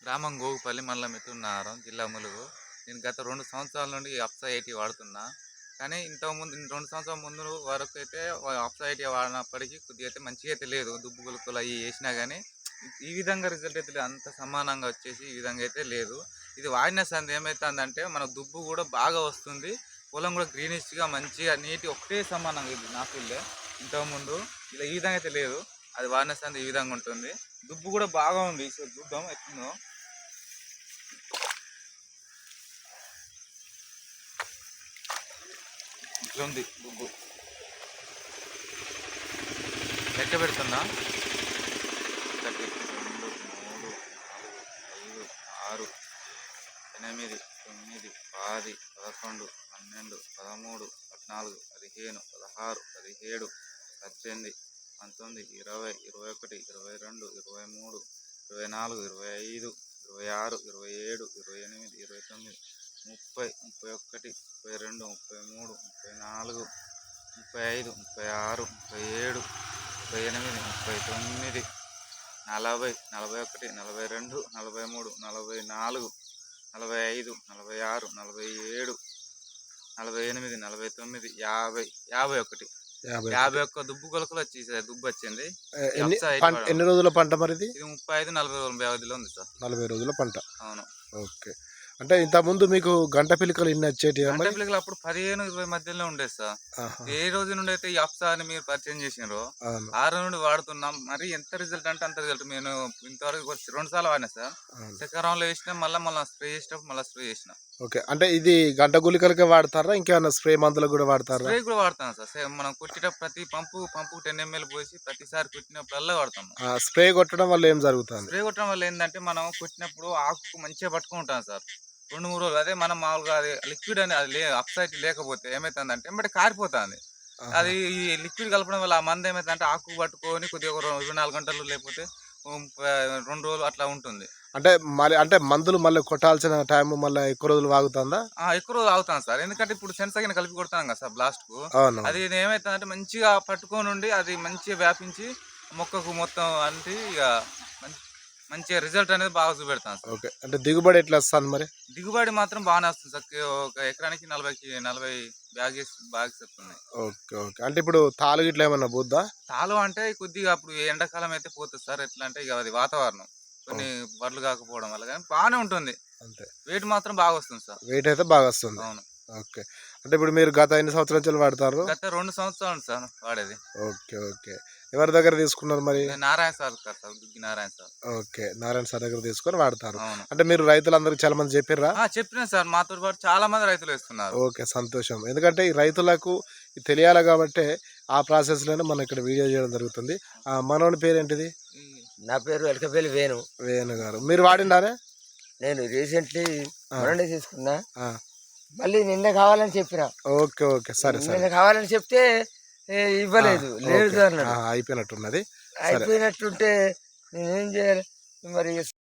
గ్రామం గోగుపల్లి మండలం మిత్రున్నారం జిల్లా ములుగు. నేను గత 2 సంవత్సరాల నుండి అప్సా 80 వాడుతున్నా. కానీ ఇంతకుముందు 2 సంవత్సరాల ముందు వరకు అయితే అప్సా 80 వాడినప్పటికీ కొద్దిగా అయితే మంచిగా అయితే లేదు. దుబ్బు గులుకలు అవి వేసినా కానీ ఈ విధంగా రిజల్ట్ అయితే లేదు. అంత సమానంగా వచ్చేసి ఈ విధంగా అయితే లేదు. ఇది వాడిన సంది ఏమవుతుందంటే మన దుబ్బు కూడా బాగా వస్తుంది. పొలం కూడా గ్రీనిష్గా మంచిగా నీటి ఒకటే సమానంగా ఇది నా ఫీల్డే. ఇంతకుముందు ఇలా ఈ విధంగా అయితే లేదు. అది వాడిన సంది ఈ విధంగా ఉంటుంది. దుబ్బు కూడా బాగా ఉంది. సో చూద్దాం ఎట్లుందో. ఇట్లా ఉంది దుబ్బు. లెక్క పెడుతున్నా. 1 2 3 4 5 6 8 9 10 11 12 13 14 15 16 17 18 19 20 21 22 23 24 25 26 27 28 29 30 31 32 33 34 35 36 37 38 39 40 41 42 43 44 45 46 47 48 49 50 51 51 దుబ్బు కొలకలు వచ్చేసాయి. దుబ్బు వచ్చింది. ఎన్ని రోజుల పంట మరి ఇది? 35-40 రోజుల వ్యవధిలో ఉంది సార్. 40 రోజుల పంట. అవును. ఓకే. అంటే ఇంత ముందు మీకు గంట పిలికలు ఇన్ని వచ్చేటి? గంట పిలికలు అప్పుడు 15-20 మధ్యలో ఉండేది సార్. ఏ రోజు నుండి అయితే ఈ అప్సా అని మీరు పరిచయం చేసినారో ఆ రోజు నుండి వాడుతున్నాం. మరి ఎంత రిజల్ట్ అంటే అంత రిజల్ట్. నేను ఇంతవరకు 2 సార్లు వాడినా సార్. చక్రంలో వేసినా మళ్ళీ స్ప్రే చేసినప్పుడు మళ్ళీ స్ప్రే చేసిన. ఓకే. అంటే ఇది గంట గుళికలకే వాడతారా ఇంకేమైనా స్ప్రే మందులకు కూడా వాడతారా? స్ప్రే కూడా వాడతాను సార్. మనం కొట్టేటప్పుడు ప్రతి పంపు 10 ml పోసి ప్రతిసారి కొట్టినప్పుడల్లా వాడతాం. స్ప్రే కొట్టడం వల్ల ఏం జరుగుతుంది? స్ప్రే కొట్టడం వల్ల ఏంటంటే మనం కొట్టినప్పుడు ఆకు మంచిగా పట్టుకుంటాం సార్. 2-3 రోజులు. అదే మనం మామూలుగా అది లిక్విడ్ అని అది అప్సైట్ లేకపోతే ఏమవుతుందంటే వెంబడి కారిపోతుంది. అది ఈ లిక్విడ్ కలపడం వల్ల ఆ మందు ఏమవుతుందంటే ఆకు పట్టుకొని కొద్దిగా 24 గంటలు లేకపోతే 2 రోజులు అట్లా ఉంటుంది. అంటే మందులు మళ్ళీ కొట్టాల్సిన టైం మళ్ళీ ఎక్కువ రోజులు ఆగుతుందా? ఎక్కువ రోజులు ఆగుతాను సార్. ఎందుకంటే ఇప్పుడు సెన్సాగిన కలిపి కొడతాం కదా సార్ బ్లాస్ట్ కు. అది ఏమవుతుందంటే మంచిగా పట్టుకొని ఉండి అది మంచిగా వ్యాపించి మొక్కకు మొత్తం అంటే ఇక మంచిగా రిజల్ట్ అనేది బాగా చూపెడతాను సార్. ఓకే. అంటే దిగుబడి ఎట్లా వస్తుంది మరి? దిగుబడి మాత్రం బాగానే వస్తుంది సార్. ఒక ఎకరానికి 40 బ్యాగెస్ వస్తున్నాయి. ఓకే. ఓకే. అంటే ఇప్పుడు తాలు గిట్లా ఏమన్నా పోద్దా? తాలు అంటే కొద్దిగా అప్పుడు ఎండాకాలం అయితే పోతుంది సార్. ఎట్లా అంటే ఇక అది వాతావరణం కొన్ని వడ్లు కాకపోవడం వల్ల కానీ బాగానే ఉంటుంది. అంతే. వెయిట్ మాత్రం బాగా వస్తుంది సార్. వెయిట్ అయితే బాగా వస్తుంది. అవును. ఓకే. అంటే ఇప్పుడు మీరు గత ఎన్ని సంవత్సరాల నుంచి వాడతారు? గత 2 సంవత్సరాలు సార్ వాడేది. ఓకే. ఓకే. ఎవరి దగ్గర తీసుకున్నారు మరి? Narayana sir Duggi Narayana sir. Okay. Narayana sir దగ్గర తీసుకొని వాడతారు. అంటే మీరు రైతులందరికీ చాలా మంది చెప్పారా? చెప్పినా సార్. మాతో పాటు చాలా మంది రైతులు వేస్తున్నారు. ఓకే. సంతోషం. ఎందుకంటే ఈ రైతులకు తెలియాలి కాబట్టి ఆ ప్రాసెస్ లోనే మనం ఇక్కడ వీడియో చేయడం జరుగుతుంది. మనోని పేరేంటిది? నా పేరు ఎలకపల్లి వేణు గారు. మీరు వాడినారే? నేను రీసెంట్లీ తీసుకున్నా. మళ్ళీ నిన్న కావాలని చెప్పిన. ఓకే. ఓకే. సరే. నిన్న కావాలని చెప్తే ఇవ్వలేదు. లేదు అన్నాడు. అయిపోయినట్టున్నది. అయిపోయినట్టుంటే నేనేం చేయాలి మరి?